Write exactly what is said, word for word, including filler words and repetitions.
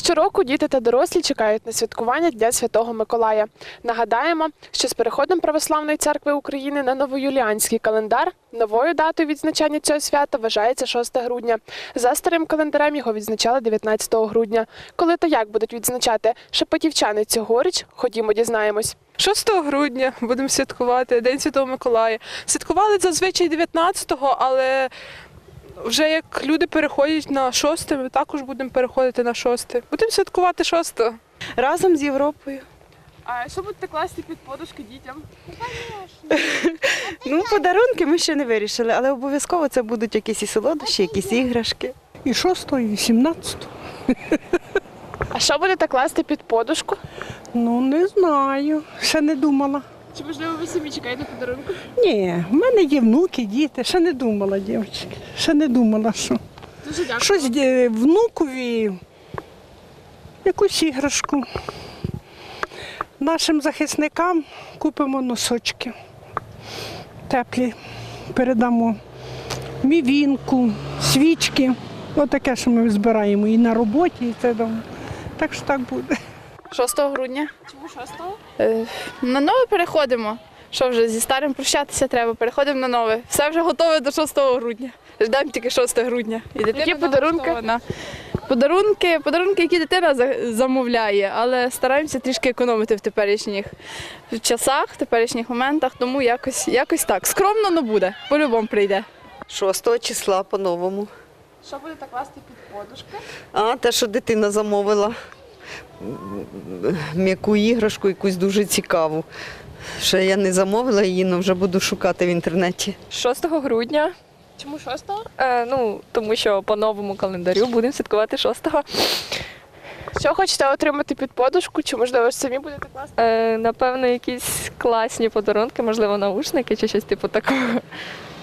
Щороку діти та дорослі чекають на святкування Дня Святого Миколая. Нагадаємо, що з переходом Православної церкви України на новоюліанський календар новою датою відзначання цього свята вважається шосте грудня. За старим календарем його відзначали дев'ятнадцятого грудня. Коли та як будуть відзначати шепетівчани цьогоріч, ходімо дізнаємось. шостого грудня будемо святкувати День Святого Миколая. Святкували зазвичай дев'ятнадцятого, але вже як люди переходять на шосте, ми також будемо переходити на шосте. Будемо святкувати шостого. Разом з Європою. А що будете класти під подушки дітям? Ну, подарунки ми ще не вирішили, але обов'язково це будуть якісь і солодощі, якісь іграшки. І шостого, і вісімнадцятого. А що будете класти під подушку? Ну, не знаю, ще не думала. Чи, можливо, ви самі чекаєте подарунку? Ні, в мене є внуки, діти, ще не думала, дівчатки. Ще не думала, що. Дуже дякую. Щось е, внукові, якусь іграшку. Нашим захисникам купимо носочки теплі, передамо. Мівінку, свічки. Отаке, що ми збираємо і на роботі, і це дома. Так що так буде. шостого грудня. Чому шостого? Е, на нове переходимо. Що вже зі старим прощатися треба, переходимо на нове. Все вже готове до шостого грудня. Ждемо тільки шостого грудня. І дитина Які подарунки? налаштована. Подарунки, подарунки, які дитина за- замовляє, але стараємося трішки економити в теперішніх часах, в теперішніх моментах, тому якось, якось так. Скромно, але буде, по-любому прийде. шостого числа по-новому. Що будете класти під подушки? А, те, що дитина замовила м'яку іграшку, якусь дуже цікаву. Ще я не замовила її, але вже буду шукати в інтернеті. шостого грудня, Чому шостого? е, ну, тому що по новому календарю будемо святкувати шостого. Що хочете отримати під подушку? Чи, можливо, самі будете класти? Е, напевно, якісь класні подарунки, можливо, наушники чи щось типу такого.